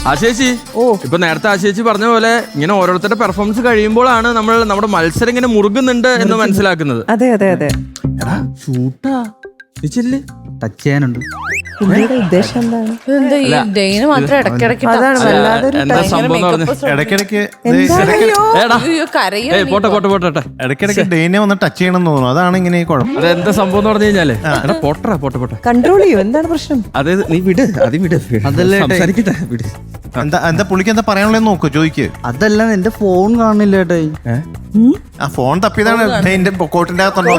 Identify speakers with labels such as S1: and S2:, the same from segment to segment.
S1: ആശേച്ചി ഇപ്പൊ നേരത്തെ ആശേച്ചി പറഞ്ഞ പോലെ ഇങ്ങനെ ഓരോരുത്തരുടെ പെർഫോമൻസ് കഴിയുമ്പോഴാണ് നമ്മൾ നമ്മുടെ മത്സരം ഇങ്ങനെ മുറുകുന്നുണ്ട് എന്ന് മനസ്സിലാക്കുന്നത്.
S2: അതെ അതെ അതെ.
S1: എടാ ഷൂട്ടാ
S3: ടച്ച് ചെയ്യാനുണ്ട്.
S2: ഉദ്ദേശം എന്താണ്?
S1: എന്താ സംഭവം
S4: ഇടയ്ക്കിടയ്ക്ക്
S1: പോട്ടെ
S4: ഡെയിനെ വന്ന് ടച്ച് ചെയ്യണം എന്ന് തോന്നുന്നു. അതാണ് ഇങ്ങനെ കുഴപ്പം.
S1: അതെന്താ സംഭവം എന്ന് പറഞ്ഞു കഴിഞ്ഞാലേ പോട്ടെ
S2: കൺട്രോൾ ചെയ്യൂ. എന്താണ് പ്രശ്നം?
S1: അതായത് നീ വിട്
S3: അതല്ലേ
S1: സംസാരിക്കട്ടെ വിട്.
S4: എന്താ പുള്ളിക്ക് എന്താ പറയാനുള്ളതെന്ന് നോക്കൂ, ചോദിക്ക്.
S3: അതല്ല, എന്റെ ഫോൺ കാണുന്നില്ല ഏട്ടായി.
S4: ആ ഫോൺ തപ്പിയതാണ് ഡെയിന്റെ കോട്ടിന്റെ അകത്തുണ്ടോ.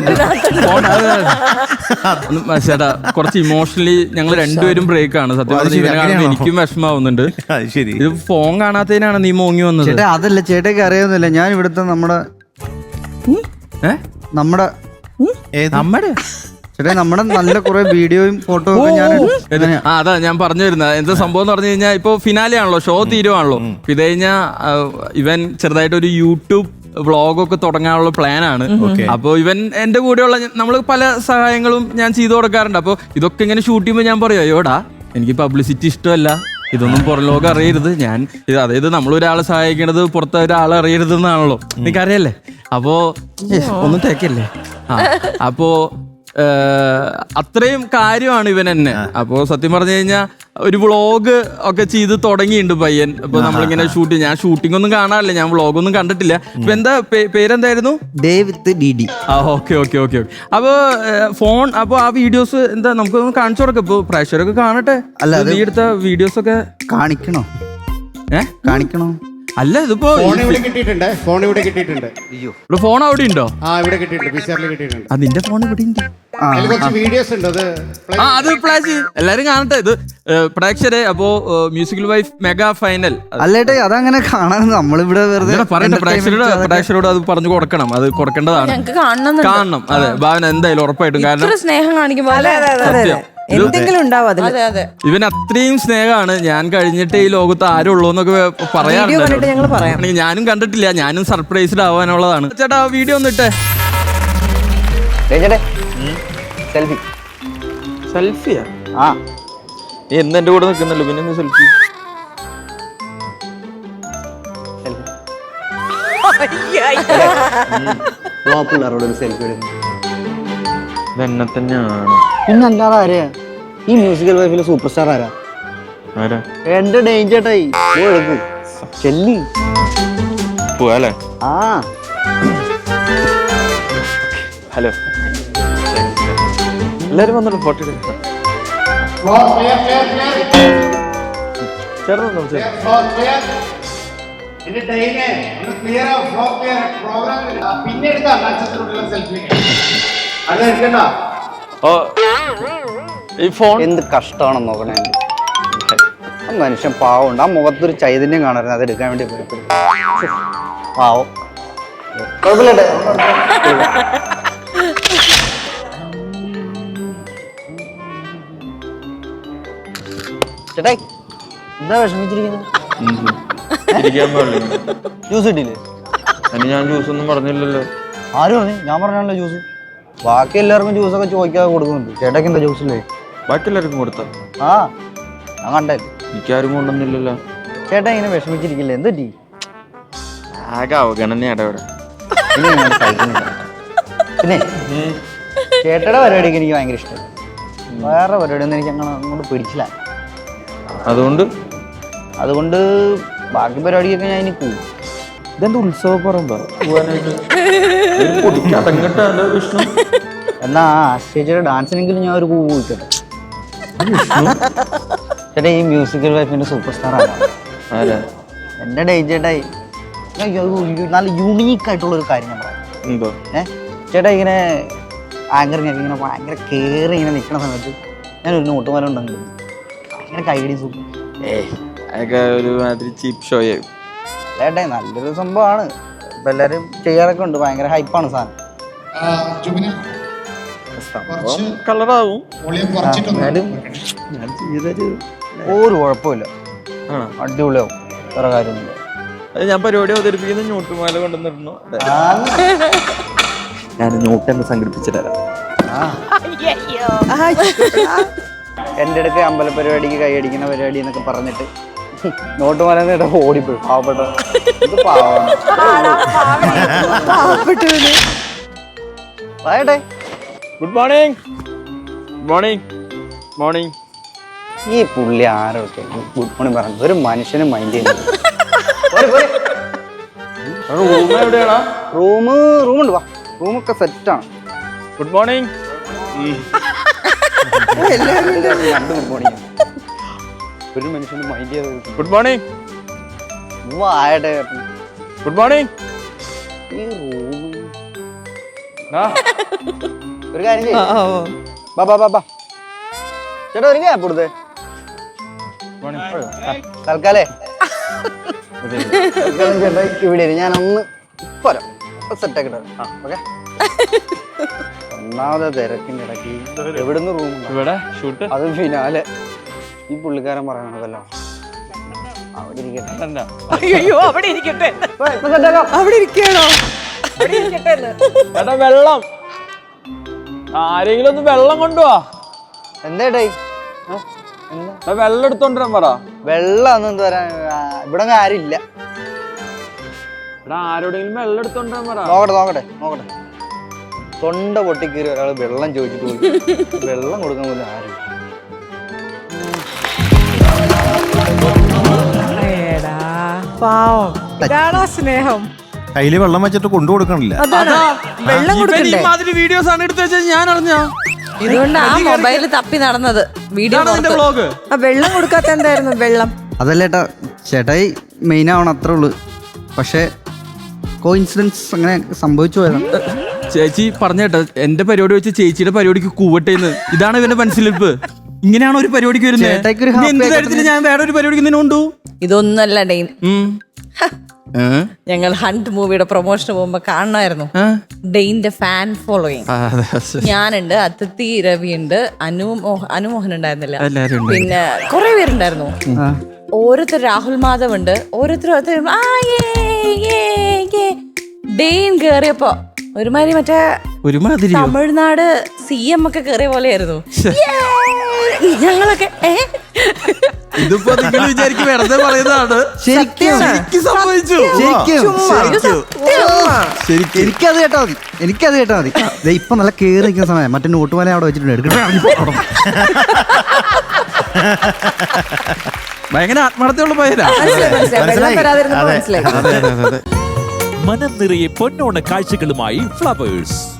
S1: ചേട്ടാ കുറച്ച് ഇമോഷണലി ഞങ്ങൾ രണ്ടുപേരും ബ്രേക്ക് ആണ്. സത്യം പറഞ്ഞാൽ എനിക്കും വിഷമാവുന്നുണ്ട്.
S4: ശരി,
S1: ഇത് ഫോൺ കാണാത്തതിനാണ് നീ മോങ്ങി വന്നത്.
S3: ചേട്ടാ അതല്ല, ചേട്ടയ്ക്ക് അറിയാവുന്നില്ല, ഞാൻ ഇവിടുത്തെ നമ്മുടെ ചേട്ടാ നമ്മുടെ നല്ല കുറെ വീഡിയോയും ഫോട്ടോ ഒക്കെ ഞാൻ
S1: അതാ ഞാൻ പറഞ്ഞു വരുന്നത്. എന്താ സംഭവം എന്ന് പറഞ്ഞു കഴിഞ്ഞാൽ ഇപ്പൊ ഫിനാലെ ആണല്ലോ, ഷോ തീരുവാണല്ലോ. ഇത് കഴിഞ്ഞാൽ ഇവൻ ചെറുതായിട്ട് ഒരു യൂട്യൂബ് വ്ളോഗൊക്കെ തുടങ്ങാനുള്ള പ്ലാനാണ്. അപ്പോൾ ഇവൻ എന്റെ കൂടെയുള്ള നമ്മൾ പല സഹായങ്ങളും ഞാൻ ചെയ്തു കൊടുക്കാറുണ്ട്. അപ്പോൾ ഇതൊക്കെ ഇങ്ങനെ ഷൂട്ട് ചെയ്യുമ്പോൾ ഞാൻ പറയും, അയ്യോടാ എനിക്ക് പബ്ലിസിറ്റി ഇഷ്ടമല്ല, ഇതൊന്നും പുറം ലോകം അറിയരുത്. ഞാൻ അതായത് നമ്മളൊരാളെ സഹായിക്കണത് പുറത്തെ ഒരാളെ അറിയരുത് എന്നാണല്ലോ, എനിക്കറിയല്ലേ. അപ്പോ ഒന്നും തേക്കല്ലേ. അപ്പോ അത്രയും കാര്യമാണ് ഇവൻ എന്നെ. അപ്പോ സത്യം പറഞ്ഞു കഴിഞ്ഞാൽ ഒരു വ്ളോഗ് ഒക്കെ ചെയ്ത് തുടങ്ങിയിട്ടുണ്ട് പയ്യൻ. അപ്പൊ നമ്മളിങ്ങനെ ഞാൻ ഷൂട്ടിംഗ് ഒന്നും കാണാറില്ല, ഞാൻ വ്ളോഗൊന്നും കണ്ടിട്ടില്ല. ഇപ്പൊ എന്താ പേരെന്തായിരുന്നു? ഓക്കെ. അപ്പൊ ഫോൺ അപ്പൊ ആ വീഡിയോസ് എന്താ നമുക്ക് കാണിച്ചു കൊടുക്കാം. ഇപ്പൊ പ്രേക്ഷകരൊക്കെ കാണട്ടെ. നീ എടുത്ത വീഡിയോസ് ഒക്കെ
S3: കാണിക്കണോ?
S1: അല്ല ഇതിപ്പോ
S5: ഫോൺ ഇവിടെ കിട്ടിയിട്ടുണ്ട്.
S1: ഫോൺ അവിടെ ഉണ്ടോ?
S5: ഇവിടെ കിട്ടിയിട്ടുണ്ട്.
S1: അതിന്റെ ഫോൺ ഇവിടെ ഉണ്ട്.
S5: വീഡിയോസ് ഉണ്ട്.
S1: അത് ഫ്ലാഷ് എല്ലാരും കാണട്ടെ. ഇത് പ്രേക്ഷകരെ അപ്പോ മ്യൂസിക്കൽ വൈഫ് മെഗാ ഫൈനൽ
S3: അല്ലേട്ടെ, അതങ്ങനെ കാണാൻ നമ്മളിവിടെ
S1: പറയട്ടെ. പ്രേക്ഷകരോട് അത് പറഞ്ഞു കൊടുക്കണം, അത് കൊടുക്കേണ്ടതാണ്. കാണണം. അതെ ഭാവന എന്തായാലും ഉറപ്പായിട്ടും. കാരണം
S2: സ്നേഹം കാണിക്കുമ്പോൾ എന്തെങ്കിലും ഉണ്ടാവും അതില്.
S1: ഇവൻ അത്രയും സ്നേഹമാണ്. ഞാൻ കഴിഞ്ഞിട്ട് ഈ ലോകത്ത് ആരും ഉള്ളൂ എന്നൊക്കെ പറയാറുണ്ട്. ഞാനും കണ്ടിട്ടില്ല, ഞാനും സർപ്രൈസ്ഡ് ആവാനുള്ളതാണ്. ചേട്ടാ വീഡിയോ ഒന്ന് ഇട്ടേ. സെൽഫിയാ? നീ എന്റെ കൂടെ നിൽക്കുന്നല്ലോ, പിന്നെ സെൽഫി. എന്നെ തന്നെയാണ്.
S3: പിന്നല്ലാതെ ആരെയാ ഈ മ്യൂസിക്കൽ വൈഫിലെ സൂപ്പർ സ്റ്റാർ? ആരാ? എന്റെ ഡേഞ്ചേട്ടായി ചെല്ലി
S1: പോവാല്ലേ? ഹലോ എല്ലാരും വന്നോളൂ, ഫോട്ടോ എടുക്കാം.
S3: എന്ത് കഷ്ടമാണെന്ന് നോക്കണേ. മനുഷ്യൻ പാവമുണ്ട്, ആ മുഖത്തൊരു ചൈതന്യം കാണരുത്, അത് എടുക്കാൻ വേണ്ടി പാവം. കുഴപ്പമില്ല ചേട്ടായി, എന്താ വിഷമിച്ചിരിക്കുന്നത്? ജ്യൂസ് കിട്ടിയില്ലേ?
S1: ഞാൻ ജ്യൂസ് ഒന്നും പറഞ്ഞില്ലല്ലോ.
S3: ആരും പറഞ്ഞു? ഞാൻ പറഞ്ഞാണല്ലോ ജ്യൂസ്. ബാക്കി എല്ലാവർക്കും ജ്യൂസൊക്കെ ചോദിക്കാതെ കൊടുക്കുന്നുണ്ട്. ചേട്ടയ്ക്ക് എന്താ ജ്യൂസില്ലേ?
S1: ബാക്കി എല്ലാവർക്കും കൊടുത്ത
S3: ഞാൻ കണ്ടേ.
S1: എനിക്കാരും കൊണ്ടൊന്നുമില്ലല്ലോ.
S3: ചേട്ടാ ഇങ്ങനെ വിഷമിച്ചിരിക്കില്ലേ? എന്ത് പറ്റി?
S1: ആകെ അവഗണനയാണ് ഇവിടെ.
S3: പിന്നെ ചേട്ടയുടെ പരിപാടിക്ക് എനിക്ക് ഭയങ്കര ഇഷ്ടമായി. വേറെ പരിപാടിയൊന്നും എനിക്ക് അങ്ങനെ അങ്ങോട്ട് പിടിച്ചില്ല. അതുകൊണ്ട് ബാക്കി പരിപാടിക്കൊക്കെ ഞാൻ ഇനി പോകും.
S1: ഇതെന്താ ഉത്സവം പറയുമ്പോ
S3: എന്നാ സ്റ്റേജിയുടെ ഡാൻസിനെങ്കിലും ഞാൻ ഒരു പൂ പോയിക്കട്ടെ. ചേട്ടാ ഈ മ്യൂസിക്കൽ വൈഫിന്റെ സൂപ്പർ സ്റ്റാർ ആണ് എന്റെ ഡേഞ്ചേട്ടായി. നല്ല യൂണീക്ക് ആയിട്ടുള്ള ഒരു കാര്യം ഞാൻ പറയാം. ചേട്ടാ ഇങ്ങനെ ആങ്കറിങ്ങൊക്കെ ഇങ്ങനെ ഭയങ്കര കയറി ഇങ്ങനെ നിൽക്കുന്ന സമയത്ത് ഞാനൊരു നോട്ടുമാല ഉണ്ടെങ്കിൽ ഭയങ്കര കൈയടി സൂപ്പർ.
S1: ഒരുമാതിരി ചീപ്പ് ഷോ
S3: ചേട്ടാ നല്ലൊരു സംഭവമാണ്. ഇപ്പൊ എല്ലാരും ചെയ്യാറൊക്കെ ഉണ്ട്. ഭയങ്കര ഹൈപ്പാണ് സാധനം.
S1: കളറാവും.
S3: ഒരു കുഴപ്പമില്ല, അടിപൊളിയാവും. വേറെ കാര്യമൊന്നുമില്ല.
S1: ഞാൻ പരിപാടി അവതരിപ്പിക്കുന്ന ഞോട്ടുമാല കൊണ്ടുവന്നിരുന്നു. ഞാൻ ഞോട്ടെന്ന് സംഘടിപ്പിച്ചു തരാം.
S3: എൻ്റെ അടുക്ക് അമ്പല പരിപാടിക്ക് കൈയടിക്കുന്ന പരിപാടി എന്നൊക്കെ പറഞ്ഞിട്ട് നോട്ട് മലന്ന് ഓടിപ്പോയി പാവപ്പെട്ട ഇത് പാവമാണ്.
S2: പാവപ്പെട്ടവന്.
S3: പറയട്ടെ
S1: ഗുഡ് മോർണിംഗ്. Morning morning.
S3: ഈ പുള്ളി ആരൊക്കെ ഗുഡ് മോർണിംഗ് പറഞ്ഞു ഒരു മനുഷ്യനും മൈൻഡ് ചെയ്യുന്നത്.
S1: റൂം എവിടെയാണോ?
S3: റൂമുണ്ട് വാ, റൂമൊക്കെ സെറ്റാണ്.
S1: Good morning.
S3: രണ്ട് ഗുഡ് മോർണിംഗ്. ഒരു മനുഷ്യനും മൈൻഡ് ചെയ്ത്
S1: ഗുഡ് മോർണിംഗ്.
S3: ആയട്ടെ.
S1: Good morning.
S3: ഈ റൂം ഒരു കാര്യം ചെയ്യ്. ബാ ബാ ബാ ബാ ചേട്ടാ ഒരു ഗ്യാപ്പ് കൊടുത്തേ തൽക്കാലേ. ചേട്ടാ ഇവിടെ ഞാനൊന്ന് പോരാ സെറ്റാക്കി ഓക്കെ. ഒന്നാമത്തെ തിരക്കിന്റെ ഇടയ്ക്ക് എവിടുന്ന് റൂം
S1: ഇവിടെ ഷൂട്ട്.
S3: അത് ഫിനാലെ ഈ പുള്ളിക്കാരൻ പറയണതല്ലോ അവിടെ ഇരിക്കട്ടെ.
S2: അയ്യോ അവിടെ ഇരിക്കട്ടെ,
S3: ഇപ്പൊ സെറ്റാക്കാം.
S2: അവിടെ ഇരിക്കണോ? അവിടെ ഇരിക്കട്ടെ എന്ന്.
S1: ചേട്ടാ വെള്ളം, ആരെങ്കിലും ഒന്ന് വെള്ളം കൊണ്ടുപോവാ.
S3: എന്തേട്ടാ
S1: വെള്ളം എടുത്തോണ്ടിരാൻ പറ.
S3: വെള്ളം ഒന്നും എന്താ പറയാ, ഇവിടെ ആരില്ല.
S1: ആരോടെങ്കിലും വെള്ളം എടുത്തോണ്ടിരാൻ പറ.
S3: നോക്കട്ടെ തൊണ്ട പൊട്ടിക്കേറി ഒരാൾ വെള്ളം ചോദിച്ചിട്ട് പോയി. വെള്ളം കൊടുക്കാൻ പോലും ആരും.
S2: ഏടാ പാവം, ഇതാണോ സ്നേഹം?
S4: കയ്യില് വെള്ളം വെച്ചിട്ട് കൊണ്ടു കൊടുക്കണില്ല.
S2: അതാണ് വെള്ളം കൊടുക്കണ്ടേ?
S1: ഇമാതിരി വീഡിയോസ് ആണ് എടുത്ത് വെച്ചാൽ ഞാൻ അറിഞ്ഞ.
S6: ഇതുകൊണ്ട് ആ മൊബൈല് തപ്പി നടന്നത് വീഡിയോ
S1: വ്ളോഗ്.
S2: ആ വെള്ളം കൊടുക്കാത്ത എന്തായിരുന്നു? വെള്ളം
S3: അതല്ലേട്ടാ, ചേട്ടായി മെയിൻ ആവണം അത്രേ ഉള്ളു. പക്ഷെ കോയിൻസിഡൻസ് അങ്ങനെ സംഭവിച്ചു പോയതാണ്.
S1: ചേച്ചി പറഞ്ഞേട്ടാ, എന്റെ പരിപാടി വെച്ച് ചേച്ചിയുടെ പരിപാടിക്ക് കൂവട്ടേന്ന്. ഇതാണ് ഇവന്റെ മനസ്സിലിപ്പ്. ഇങ്ങനെയാണ് ഒരു പരിപാടിക്ക്
S3: ചേട്ടായിക്കൊരു
S1: വരുന്നത്.
S3: happy
S1: എന്ത് കാര്യത്തിന് ഞാൻ വേറെ ഒരു പരിപാടിക്ക് നിന്നെ കൊണ്ടു?
S6: ഇതൊന്നല്ല ഡെയിൻ. ഞങ്ങൾ ഹണ്ട് മൂവിയുടെ പ്രൊമോഷന് പോകുമ്പോ കാണണമായിരുന്നു ഡെയിന്റെ ഫാൻ ഫോളോയിങ്. ഞാനുണ്ട്, അതിഥി രവി ഉണ്ട്, അനുമോഹൻ ഉണ്ടായിരുന്നില്ല, പിന്നെ കുറെ പേരുണ്ടായിരുന്നു. ഓരോരുത്തർ രാഹുൽ മാധവ് ഉണ്ട്, ഓരോരുത്തർ ഡെയിൻ കേറിയപ്പോ ഒരുമാതിരി മറ്റേ തമിഴ്നാട് CM ഒക്കെ കേറിയ പോലെയായിരുന്നു. ഞങ്ങളൊക്കെ
S1: ഇതിപ്പോ നിങ്ങൾ വിചാരിക്കും വെറുതെ പറയുന്നതാണ്.
S3: ശരിക്കും
S1: സംഭവിച്ചു.
S3: എനിക്കത് കേട്ടാ മതി, എനിക്കത് കേട്ടാ മതി. ഇപ്പൊ നല്ല കേറി നിൽക്കുന്ന സമയം മറ്റേ നോട്ടുമാല അവിടെ വെച്ചിട്ടുണ്ട്.
S1: ഭയങ്കര ആത്മാർത്ഥമുള്ള പയ്യനാ.
S2: വെള്ളം തരാതിരുന്നപ്പോ മനസ്സിലായി.
S7: മനം നിറയെ പൊന്നോണ കാഴ്ചകളുമായി ഫ്ലവേഴ്സ്.